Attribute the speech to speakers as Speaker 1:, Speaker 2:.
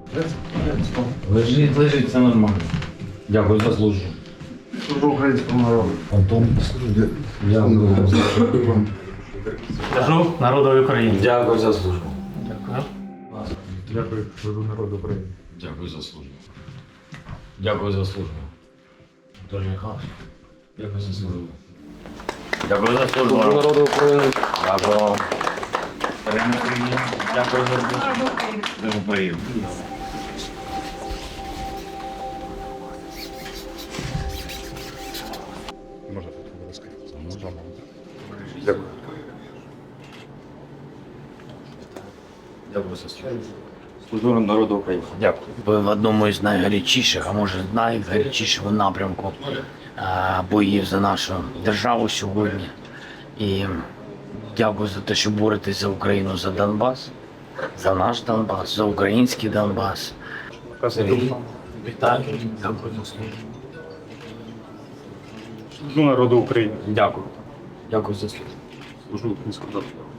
Speaker 1: Лежить, лежить, все нормально. Дякую за службу.
Speaker 2: Служу українському народу.
Speaker 1: Антон, дякую.
Speaker 3: Служу народу України.
Speaker 1: Дякую за службу.
Speaker 3: Дякую.
Speaker 2: Дякую, служу народу України.
Speaker 1: Дякую за службу. Дякую за службу. Анатолій Михайлович, дякую за службу. Дякую за службу.
Speaker 2: Служу народу України.
Speaker 1: Дякую. Дякую за службу. Дуже приємно.
Speaker 2: Можна тут, будь ласка. Дякую.
Speaker 1: Дякую за службу.
Speaker 2: Служу народу України.
Speaker 1: Дякую.
Speaker 4: Ви в одному із найгарячіших, а може найгарячішого напрямку боїв за нашу державу сьогодні. І дякую за те, що боретесь за Україну, за Донбас, за наш Донбас, за український Донбас. Сергій, вітаю, дякую за службу.
Speaker 2: Служу народу України.
Speaker 1: Дякую. Дякую за службу.
Speaker 2: Служу українському народу.